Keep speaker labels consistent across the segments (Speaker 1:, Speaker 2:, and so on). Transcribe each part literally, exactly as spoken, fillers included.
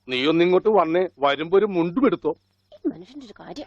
Speaker 1: നീ ഒന്നിങ്ങോട്ട് വന്നേ, വരുമ്പോ ഒരു മുണ്ടും എടുത്തോ.
Speaker 2: മനുഷ്യന്റെ ഒരു കാര്യം.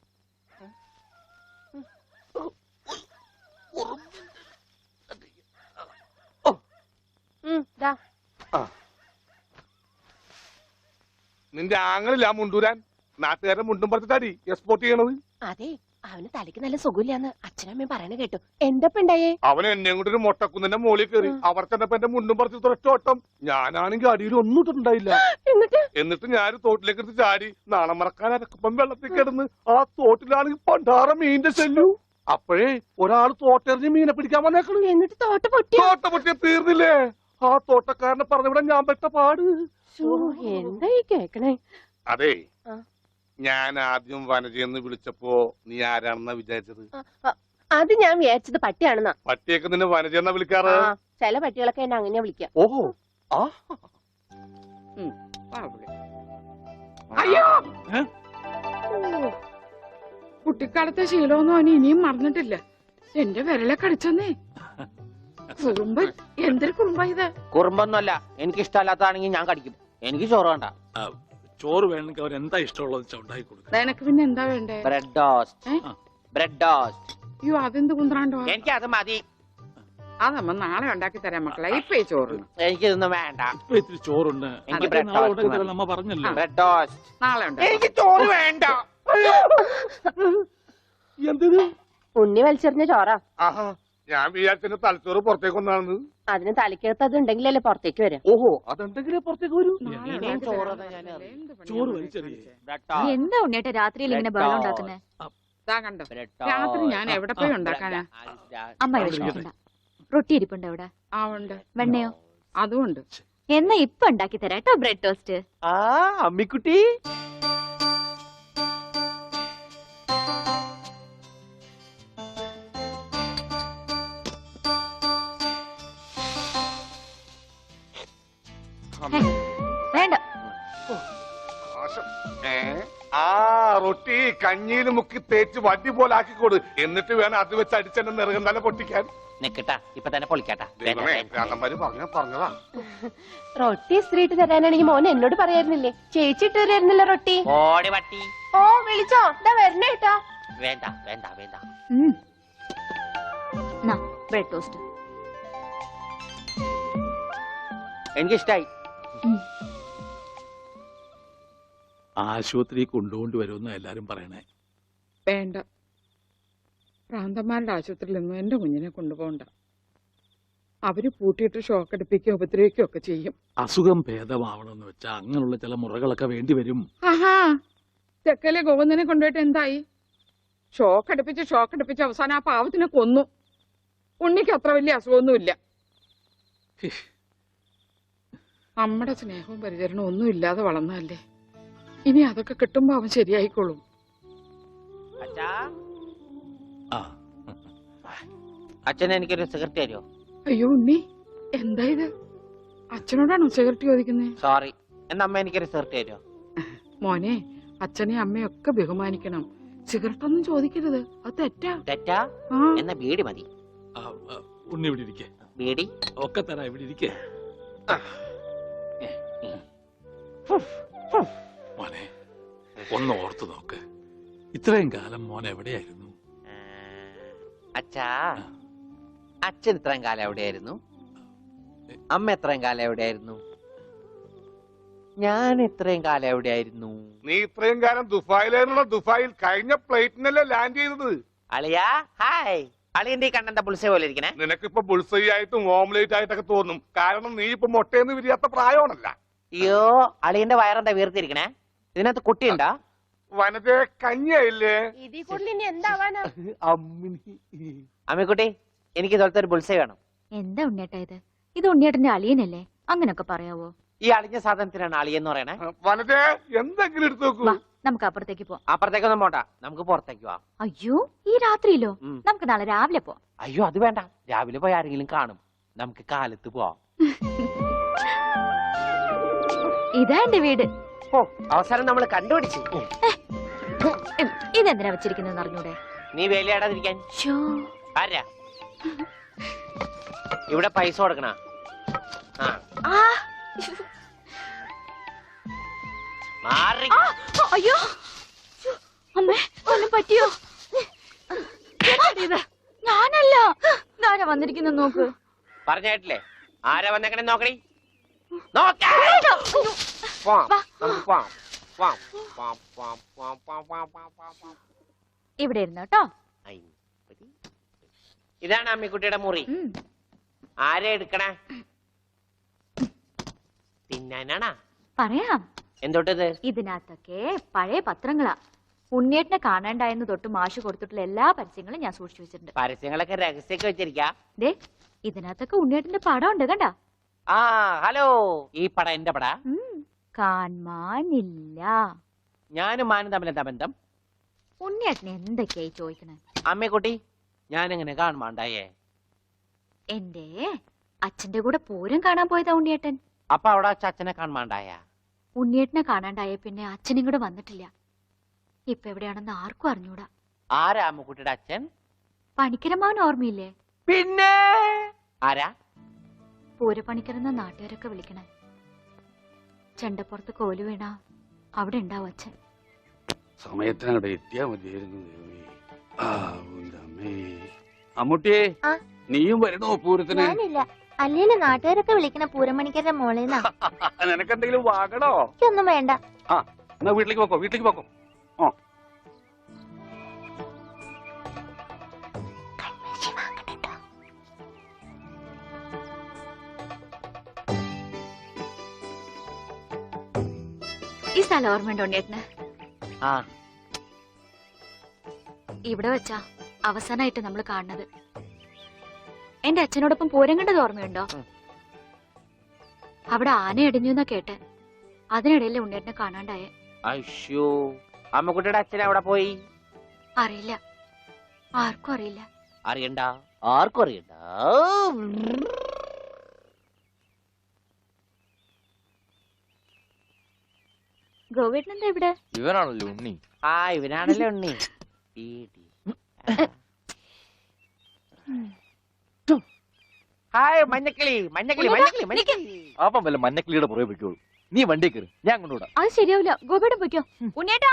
Speaker 1: നിന്റെ ആങ്ങളില്ല മുണ്ടൂരാൻ, നാട്ടുകാരെ മുണ്ടും പറിച്ചിട്ടാടി എക്സ്പോർട്ട് ചെയ്യണത്.
Speaker 2: അതെ, അവന് തലയ്ക്ക് നല്ല സുഖമില്ലാന്ന് അച്ഛനമ്മയും പറയണ കേട്ടു. എന്തപ്പണ്ടായേ?
Speaker 1: അവൻ എന്നെ കൊണ്ട് ഒരു മൊട്ടക്കുന്നിന്റെ മോളിൽ കയറി. അവർ ചെന്നപ്പോ എന്റെ മുണ്ടും പറിച്ച് ഒറ്റോട്ടം. ഞാനാണെങ്കിൽ അടിയിൽ ഒന്നും ഇട്ടിട്ടുണ്ടായില്ല.
Speaker 2: എന്നിട്ട്
Speaker 1: എന്നിട്ട് ഞാൻ തോട്ടിലേക്ക് എടുത്ത് ചാടി. നാണം മറക്കാൻ അരക്കപ്പം വെള്ളത്തിൽ കിടന്ന് ആ തോട്ടിലാണെങ്കിൽ പണ്ടാറ മീനിന്റെ ചെല്ലു. അപ്പോഴേ ഒരാൾ തോട്ടെറിഞ്ഞ് മീനെ പിടിക്കാൻ വന്നേക്കണു.
Speaker 2: എന്നിട്ട് തോട്ട പൊട്ടി.
Speaker 1: തോട്ട പൊട്ടിയ തീർന്നില്ലേ? ആ തോട്ടക്കാരനെ പറഞ്ഞവിടെ ഞാൻ പെട്ട പാട്.
Speaker 2: എന്തായി കേക്കണേ?
Speaker 1: അതെ, ഞാൻ ആദ്യം വനജയെന്ന് വിളിച്ചപ്പോ നീ ആരാണെന്നാ വിചാരിച്ചത്?
Speaker 2: അത് ഞാൻ വിചാരിച്ചത് പട്ടിയാണെന്നാ.
Speaker 1: പട്ടിയൊക്കെ നിന്നെ വനജയെന്നാ വിളിക്കാറ്.
Speaker 2: ചില പട്ടികളൊക്കെ എന്നെ അങ്ങനെയാ വിളിക്കാം.
Speaker 1: ഓഹോ, ആ
Speaker 3: അയ്യോ, കുട്ടിക്കാലത്തെ ശീലമൊന്നും അവന് ഇനിയും മറന്നിട്ടില്ല. എന്റെ വിരലെ കടിച്ചെന്നേ. കുറുമ്പ്, എന്തൊരു കുറുമ്പ ഇത്?
Speaker 4: കുറുമ്പൊന്നുമല്ല, എനിക്ക് ഇഷ്ടമല്ലാത്തതാണെങ്കിൽ ഞാൻ കടിക്കും. എനിക്ക് ചോറ് വേണ്ട.
Speaker 5: ചോറ് വേണമെങ്കിൽ അവർ എന്താ ഇഷ്ടമുള്ളത് ഉണ്ടാക്കി കൊടുക്കും.
Speaker 3: നിനക്ക് പിന്നെ എന്താ വേണ്ടേ?
Speaker 4: Bread toast. Bread toast.
Speaker 3: അയ്യോ, അതെന്ത് കുന്ത്രാണ്ടോ?
Speaker 4: എനിക്ക് അത് മതി.
Speaker 3: അതമ്മ നാളെ ഉണ്ടാക്കി തരാം മക്കളെ. ഇപ്പൊ ഈ ചോറ്
Speaker 4: എനിക്കിതൊന്നും വേണ്ട.
Speaker 5: ഇപ്പൊ ഇത്തിരി ചോറുണ്ട്,
Speaker 4: എനിക്ക് ബ്രെഡ് ടോസ്റ്റ്.
Speaker 5: നമ്മ പറഞ്ഞല്ലോ
Speaker 4: ബ്രെഡ് ടോസ്റ്റ്
Speaker 3: നാളെ ഉണ്ട്.
Speaker 4: എനിക്ക് ചോറ് വേണ്ട.
Speaker 1: എന്തിന്?
Speaker 2: ഉണ്ണി വലിച്ചെറിഞ്ഞ ചോറാ.
Speaker 1: ആഹാ, ഞാൻ വിചാരിച്ച തലച്ചോറ് പുറത്തേക്ക് ഒന്നാണെന്ന്.
Speaker 2: അതിന് തലയ്ക്കകത്ത് അത് ഉണ്ടെങ്കിലല്ലേ പുറത്തേക്ക് വരാം.
Speaker 1: ഓഹോ, അതുണ്ടെങ്കിലേ പുറത്തേക്ക് വരൂ.
Speaker 5: ചോറ് വലിച്ചെറിയേ.
Speaker 6: എന്താ ഉണ്ണിയേട്ടാ രാത്രിയിൽ ഇങ്ങനെ ബഹളം ഉണ്ടാക്കുന്നേ?
Speaker 3: കണ്ടോ, രാത്രി ഞാൻ എവിടെ പോയി ഉണ്ടാക്കാനാ?
Speaker 6: അമ്മ വിഷമിക്കണ്ട. റൊട്ടി ഇരിപ്പുണ്ട് അവിടെ.
Speaker 3: ആ ഉണ്ട്.
Speaker 6: വെണ്ണയോ?
Speaker 3: അതും ഉണ്ട്.
Speaker 6: എന്നാ ഇപ്പൊ ഉണ്ടാക്കി തരാം കേട്ടോ ബ്രെഡ് ടോസ്റ്റ്.
Speaker 4: ആ അമ്മിക്കുട്ടി,
Speaker 6: വേണ്ട.
Speaker 1: ആ റൊട്ടി കഞ്ഞിയിൽ മുക്കി തേച്ച് വടി പോലെ ആക്കിക്കോട്. എന്നിട്ട് വേണം അത് വെച്ച് അടിച്ചെന്നെ നിറകം തന്നെ പൊട്ടിക്കാൻ.
Speaker 4: നിക്കട്ടാ, ഇപ്പൊ തന്നെ പൊളിക്കാട്ടാ.
Speaker 1: പറഞ്ഞതാ.
Speaker 2: റൊട്ടി സ്ത്രീട്ട് തരാനാണെങ്കിൽ മോൻ എന്നോട് പറയായിരുന്നില്ലേ? ചേച്ചി ഇട്ട് തരായിരുന്നില്ല റൊട്ടി.
Speaker 4: ഓടി പട്ടി.
Speaker 2: ഓ വിളിച്ചോ, ഇതാ വരണേട്ടാ.
Speaker 4: വേണ്ട വേണ്ട വേണ്ട.
Speaker 6: ബ്രെഡ് ടോസ്റ്റ്
Speaker 4: എനിക്കിഷ്ടായി.
Speaker 5: ആശുപത്രി കൊണ്ടുകൊണ്ട് വരുമെന്ന് എല്ലാരും പറയണേ.
Speaker 3: വേണ്ട, പ്രാന്തന്മാരുടെ ആശുപത്രിയിലൊന്നും എന്റെ കുഞ്ഞിനെ കൊണ്ടുപോകണ്ട. അവര് പൂട്ടിയിട്ട് ഷോക്ക് അടിപ്പിക്കുകയോ ഉപദ്രവിക്കുകയോ ഒക്കെ ചെയ്യും.
Speaker 5: അസുഖം ഭേദമാവണമെന്ന് വെച്ചാൽ അങ്ങനെയുള്ള ചില മുറകളൊക്കെ വേണ്ടി വരും.
Speaker 3: ആഹാ, തെക്കലെ ഗോവിന്ദനെ കൊണ്ടുപോയിട്ട് എന്തായി? ഷോക്ക് അടുപ്പിച്ച് ഷോക്ക് അടുപ്പിച്ച് അവസാനം ആ പാവത്തിനെ കൊന്നു. ഉണ്ണിക്ക് അത്ര വലിയ അസുഖമൊന്നുമില്ല. നമ്മുടെ സ്നേഹവും പരിചരണവും ഒന്നും ഇല്ലാതെ വളർന്നതല്ലേ. ഇനി അതൊക്കെ കിട്ടുമ്പോ അവൻ ശരിയായിക്കോളും.
Speaker 4: അച്ഛൻ എനിക്കൊരു സിഗരറ്റ് തരുമോ?
Speaker 3: അയ്യോ ഉണ്ണി, എന്താ ഇത്? അച്ഛനോടാണോ സിഗരറ്റ് ചോദിക്കുന്നത്?
Speaker 4: സോറി, എന്നാ അമ്മ എനിക്കൊരു സിഗരറ്റ് തരുമോ?
Speaker 3: മോനെ, അച്ഛനെയും അമ്മയും ഒക്കെ ബഹുമാനിക്കണം. സിഗരറ്റ് ഒന്നും ചോദിക്കരുത്, അത് തെറ്റാ.
Speaker 4: തെറ്റാ? എന്നാ ബീഡി മതി.
Speaker 5: ഉണ്ണി ഇവിടെ ഇരിക്കേ.
Speaker 4: ബീഡി
Speaker 5: ഒക്കെ തരാ, ഇവിടെ ഇരിക്കേ. മോനെ, ഒന്ന് ഓർത്തു നോക്ക്. ഇത്രയും കാലം മോൻ എവിടെയായിരുന്നു?
Speaker 4: അച്ഛാ, അച്ഛൻ ഇത്രയും കാലം എവിടെയായിരുന്നു? അമ്മ എത്രയും കാലം എവിടെയായിരുന്നു? ഞാൻ ഇത്രയും കാലം എവിടെയായിരുന്നു?
Speaker 1: നീ ഇത്രയും കാലം ദുബായിലായിരുന്നുള്ള ദുബായിൽ കഴിഞ്ഞ പ്ലേറ്റിനല്ലേ ലാൻഡ് ചെയ്തത്.
Speaker 4: അളിയാ ഹായ്. അളിയന്റെ ഈ കണ്ണെന്താ പുളിസ പോലെ ഇരിക്കണേ?
Speaker 1: നിനക്കിപ്പോ ബുൾസൈ ആയിട്ടും ഓംലേറ്റ് ആയിട്ടൊക്കെ തോന്നും. കാരണം നീ ഇപ്പൊ മുട്ടയെന്ന് വിരിയാത്ത പ്രായമാണല്ല.
Speaker 4: അയ്യോ, അളിയന്റെ വയറെന്താ വീർത്തിരിക്കണേ? ഇതിനകത്ത് കുട്ടിയുണ്ടാ?
Speaker 1: വനത്തെ കഞ്ഞിയായില്ലേ?
Speaker 2: ഇതിൽ കൂടുതൽ ഇനി എന്താവാനാ?
Speaker 4: അമ്മിക്കുട്ടി, എനിക്ക് ഇതുപോലത്തെ ഒരു ബുൾസൈ വേണം.
Speaker 6: എന്താ ഉണ്ണിയേട്ടാ ഇത്? ഇത് ഉണ്ണിയേട്ടന്റെ അളിയനല്ലേ? അങ്ങനൊക്കെ പറയാവോ?
Speaker 4: ഈ അളിഞ്ഞ സാധനത്തിനാണ് അളിയെന്ന് പറയണേ.
Speaker 1: വനത്തെ എന്തെങ്കിലും എടുത്തു നോക്കൂ.
Speaker 6: നമുക്ക് അപ്പുറത്തേക്ക് പോവാം.
Speaker 4: അപ്പുറത്തേക്കൊന്നും പോണ്ട, നമുക്ക് പുറത്തേക്ക് പോവാം.
Speaker 6: അയ്യോ, ഈ രാത്രിയിലോ? നമുക്ക് നാളെ രാവിലെ പോവാം.
Speaker 4: അയ്യോ അത് വേണ്ട, രാവിലെ പോയി ആരെങ്കിലും കാണും. നമുക്ക് കാലത്ത് പോവാം.
Speaker 6: ഇതാ എന്റെ വീട്.
Speaker 4: ഓ, അവസാനം നമ്മൾ കണ്ടുപിടിച്ചു.
Speaker 6: ഇതെന്തിനാ വെച്ചിരിക്കുന്നത് അറിഞ്ഞൂടെ?
Speaker 4: നീ വേലയാടാതിരിക്കാൻ. ആരാ ഇവിടെ പൈസ കൊടുക്കണ?
Speaker 6: അയ്യോ അമ്മേ ഒന്നും പറ്റിയോ? ഇത് ഞാനല്ല. ആരാ വന്നിരിക്കുന്ന നോക്ക്.
Speaker 4: പറഞ്ഞിട്ടില്ലേ ആരാ വന്നേക്കണേ നോക്കണേ. നോക്കാം. പോവാം. നമുക്ക് പോവാം. പോവാം. പോവാം, പോവാം, പോവാം, പോവാം, പോവാം, പോവാം, പോവാം, പോവാം.
Speaker 6: ഇവിടെ ഇരുന്നു കേട്ടോ.
Speaker 4: അയ്യപ്പടി. ഇതാണ് അമ്മിക്കുട്ടിയുടെ മുറി.
Speaker 6: ഉം.
Speaker 4: ആരെ എടുക്കണേ? തിന്നാനാണാ?
Speaker 6: പറയാം.
Speaker 4: എന്തോട്ടത്?
Speaker 6: ഇതിനകത്തൊക്കെ പഴയ പത്രങ്ങളാ. ഉണ്ണിയേട്ടനെ കാണാണ്ടായെന്ന് തൊട്ട് മാഷ് കൊടുത്തിട്ടുള്ള എല്ലാ പരസ്യങ്ങളും ഞാൻ സൂക്ഷിച്ചു വെച്ചിട്ടുണ്ട്.
Speaker 4: പരസ്യങ്ങളൊക്കെ രഹസ്യൊക്കെ വെച്ചിരിക്കാ.
Speaker 6: ദേ ഇതിനകത്തൊക്കെ ഉണ്ണിയേട്ടന്റെ പടം ഉണ്ട് കണ്ടാ.
Speaker 4: ആ ഹലോ, ഈ പട എന്റെ പട.
Speaker 6: കാണാനില്ല.
Speaker 4: ഞാനും മാനും തമ്മിൽ എന്താ ബന്ധം?
Speaker 6: ഉണ്ണിയേട്ടനെ എന്തൊക്കെയായി ചോദിക്കണേ?
Speaker 4: അമ്മക്കുട്ടി ഞാനെങ്ങനെ കാണുമാണ്ടായേ?
Speaker 6: എന്റെ അച്ഛന്റെ കൂടെ പൂരം കാണാൻ പോയതാ ഉണ്ണിയേട്ടൻ.
Speaker 4: അപ്പൊ അവിടെ അച്ഛനെ കാണുമാണ്ടായ?
Speaker 6: ഉണ്ണിയേട്ടനെ കാണാണ്ടായ പിന്നെ അച്ഛനും കൂടെ വന്നിട്ടില്ല. ഇപ്പൊ എവിടെയാണെന്ന് ആർക്കും അറിഞ്ഞൂടാ.
Speaker 4: ആരാ അമ്മക്കുട്ടിയുടെ അച്ഛൻ?
Speaker 6: പണിക്കരമാവൻ ഓർമ്മയില്ലേ?
Speaker 4: പിന്നെ ആരാ?
Speaker 6: പൂരപ്പണിക്കരെന്ന നാട്ടുകാരൊക്കെ വിളിക്കണേ. ചെണ്ടപ്പുറത്ത് കോലു വീണ അവിടെ ഉണ്ടാവും അച്ഛൻ.
Speaker 5: സമയത്തിനവിടെ എത്തിയാ മതിയായിരുന്നു. അമ്മൂട്ടിയെ
Speaker 2: ആ?
Speaker 5: നീയും വരണോ പൂരത്തിന്?
Speaker 2: ഞാനില്ല. അല്ലേലും നാട്ടുകാരൊക്കെ വിളിക്കണ പൂരമണിക്കരുടെ മോളേന്നാ.
Speaker 5: നിനക്കെന്തെങ്കിലും വാങ്ങണോ?
Speaker 2: എനിക്കൊന്നും വേണ്ട.
Speaker 5: ആ എന്നാ വീട്ടിലേക്ക് പോക്കോ, വീട്ടിലേക്ക് പോക്കോ. ഓ
Speaker 6: ഈ സ്ഥലം ഓർമ്മയുണ്ടോ ഉണ്ണിയേട്ടന്?
Speaker 4: ആ
Speaker 6: ഇവിടെ വെച്ചാ അവസാനമായിട്ട് നമ്മൾ കാണുന്നത്. എന്റെ അച്ഛനോടൊപ്പം പൂരം കണ്ടത് ഓർമ്മയുണ്ടോ? അവിടെ ആന ഇടിഞ്ഞു എന്നാ കേട്ടെ. അതിനിടയിലെ ഉണ്ണിയേട്ടനെ കാണാണ്ടായ.
Speaker 4: അയ്യോ, അമ്മക്കുട്ടിയുടെ അച്ഛൻ അവിടെ പോയി?
Speaker 6: അറിയില്ല, ആർക്കും അറിയില്ല.
Speaker 4: അറിയണ്ട, ആർക്കും അറിയണ്ട.
Speaker 6: ഗോവേട്ടൻ എന്താ ഇവിടെ?
Speaker 7: ഇവനാണല്ലോ ഉണ്ണി.
Speaker 4: ആ ഇവനാണല്ലേ ഉണ്ണി. ഹായ് മഞ്ഞക്കിളി, മഞ്ഞക്കിളി, മഞ്ഞക്കിളി, മഞ്ഞക്കിളി.
Speaker 7: അപ്പം വല്ല മഞ്ഞക്കിളിയുടെ പുറകെ വെക്കോളൂ. നീ വണ്ടി കയറി, ഞാൻ കൊണ്ടുവിടാം.
Speaker 6: അത് ശരിയാവില്ല. ഗോപേട്ടൻ പൊയ്ക്കോ. ഉണ്ണിയേട്ടാ,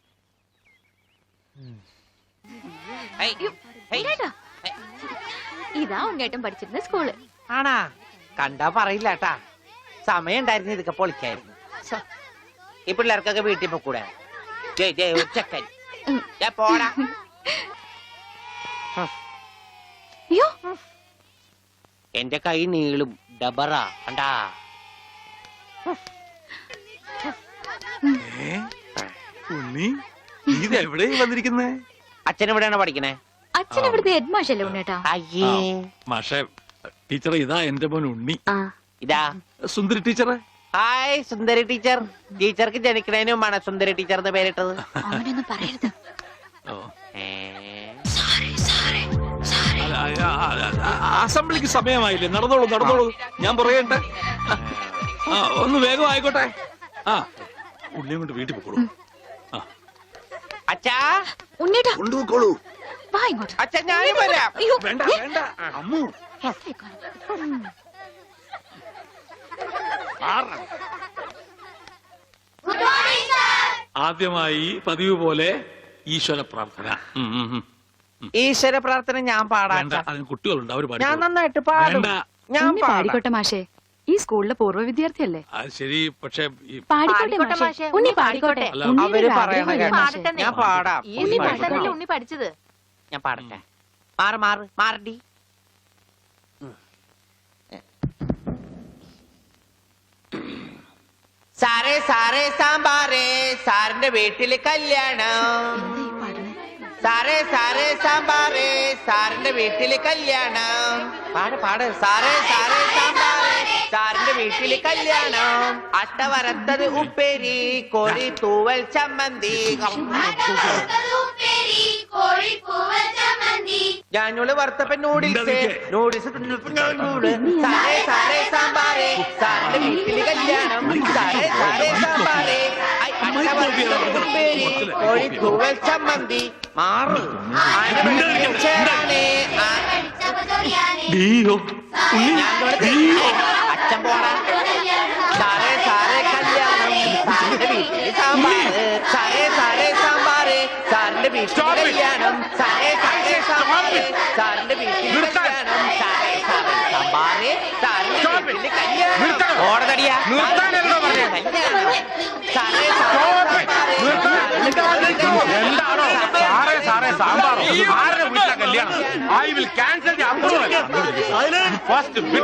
Speaker 4: ഹേയ്, ഹേയ്.
Speaker 6: ഉണ്ണിയേട്ടാ. ഇതാ ഉണ്ണിയേട്ടൻ പഠിച്ചിരുന്ന സ്കൂള്.
Speaker 4: ആണാ? കണ്ടാ പറയില്ല കേട്ടാ. സമയം ഉണ്ടായിരുന്നു ഇതൊക്കെ പൊളിക്കായിരുന്നു. ശ്ശെ. ഈ പിള്ളേർക്കൊക്കെ വീട്ടിൽ പോക്കൂടെ? ജയ് ജയ് ഒരു ചെക്കൻ. ദേ പോടാ.
Speaker 6: അയ്യോ,
Speaker 4: എന്റെ കൈ നീളും ഡബറ കണ്ടാ.
Speaker 5: ഉണ്ണി നീ എവിടെ വന്നിരിക്കുന്നേ?
Speaker 4: അച്ഛൻ എവിടെയാണ് പഠിക്കണേ?
Speaker 6: അച്ഛൻ ഇവിടുത്തെ ഹെഡ് മാഷല്ലേ ഉണ്ണിയേട്ടാ?
Speaker 4: അയ്യേ,
Speaker 5: മാഷെ ടീച്ചറെ, ഇതാ എന്റെ മോൻ ഉണ്ണി.
Speaker 4: ഇതാ
Speaker 5: സുന്ദരി ടീച്ചറെ.
Speaker 4: Hi Sundari teacher. ടീച്ചർക്ക് ജനിക്കണേന് മുമ്പാണ് സുന്ദരി ടീച്ചർ എന്ന് പേരിട്ടത്.
Speaker 6: അവനൊന്നും പറയരുത്.
Speaker 5: ഓ.
Speaker 4: ഏ?
Speaker 5: അല്ല, ആ, ആ, ആ, അസംബ്ലിക്ക് സമയമായില്ലേ? നടന്നോളൂ നടന്നോളൂ, ഞാൻ പറയട്ടെ. ആ ഒന്ന് വേഗം ആയിക്കോട്ടെ. ആ ഉള്ളിയും കൊണ്ട് വീട്ടിൽ പോക്കോളൂ.
Speaker 4: അച്ഛാ
Speaker 6: ഉണ്ണിയേട്ടാ
Speaker 5: കൊണ്ടുപോക്കോളൂ.
Speaker 6: വാ ഇങ്ങോട്ട്.
Speaker 4: അച്ഛാ ഞാനും വരാം.
Speaker 6: അയ്യോ,
Speaker 5: വേണ്ട വേണ്ട അമ്മു. ആദ്യമായി പതിവ് പോലെ ഈശ്വര പ്രാർത്ഥന. ഉം, ഉം, ഉം.
Speaker 4: ഈശ്വര പ്രാർത്ഥന ഞാൻ പാടാം.
Speaker 5: വേണ്ട, അതിന് കുട്ടികളുണ്ട്, അവര്
Speaker 4: ഞാൻ
Speaker 5: പാടിക്കോളും.
Speaker 4: നന്നായിട്ട് പാടും.
Speaker 5: വേണ്ട.
Speaker 4: ഞാൻ പാടാം.
Speaker 8: പാടിക്കോട്ടെ മാഷേ, ഈ സ്കൂളിലെ പൂർവ്വ വിദ്യാർത്ഥിയല്ലേ?
Speaker 5: അത് ശരി, പക്ഷെ ഈ
Speaker 6: പാടിക്കോട്ടെ മാഷേ. ഉണ്ണി പാടിക്കോട്ടെ.
Speaker 5: അല്ല,
Speaker 8: ഉണ്ണിയുടെ
Speaker 4: അവര്
Speaker 8: ഒരു
Speaker 4: പറയണ
Speaker 8: ആഗ്രഹമല്ലേ
Speaker 4: കേട്ടോ.
Speaker 8: മാഷേ?
Speaker 4: ഞാൻ പാടാം.
Speaker 6: ഈ
Speaker 8: ഉണ്ണി
Speaker 6: പാട്ടല്ലേ
Speaker 8: പാടിക്കോട്ടെ.
Speaker 6: ഉണ്ണി പഠിച്ചത്?
Speaker 4: ഞാൻ പാടട്ടെ. മാറ് മാറ് മാറടി. സാറേ സാറേ സാമ്പാറേ, സാറിന്റെ വീട്ടില് കല്യാണം.
Speaker 6: എന്താ ഈ പാടുന്നേ?
Speaker 4: സാറേ സാറേ സാമ്പാറേ, സാറിന്റെ വീട്ടില് കല്യാണം. പാട് പാട്. സാറേ സാറേ സാമ്പാറേ, സാറിന്റെ വീട്ടില് കല്യാണം. അട്ട വരത്തത് ഉപ്പേരി, കോഴി തൂവൽ ചമ്മന്തി. ഞാനോള് വറുത്തപ്പൻ നൂഡിൽസ്, നൂഡിൽസ് സാറേ സാറേ സാമ്പാറേ, സാറിന്റെ വീട്ടില് കല്യാണം. സാറേ സാറേ സാമ്പാറേ, ഐ, അട്ട വറുത്തത് ഉപ്പേരി, കോഴി തൂവൽ ചമ്മന്തി. മാറ് ചേരാനേ. അച്ഛൻ പോടാ. സാറേ സാറേ കല്യാണം, സാറിന്റെ വീട്ടില് സാമ്പാറ്. സാറേ വീട്ടില് കല്യാണം സാറേ സാറേ സാമ്പാറേ സാറിന്റെ വീട്ടില് കല്യാണം സാറേ സാറേ സാമ്പാറേ സാറിന്റെ വീട്ടില് കല്യാണം ഓടതടിയാ
Speaker 1: എന്താണോ സാറേ സാറേ സാമ്പാറോ ആരുടെ വീട്ടിലെ കല്യാണം I will cancel the approval first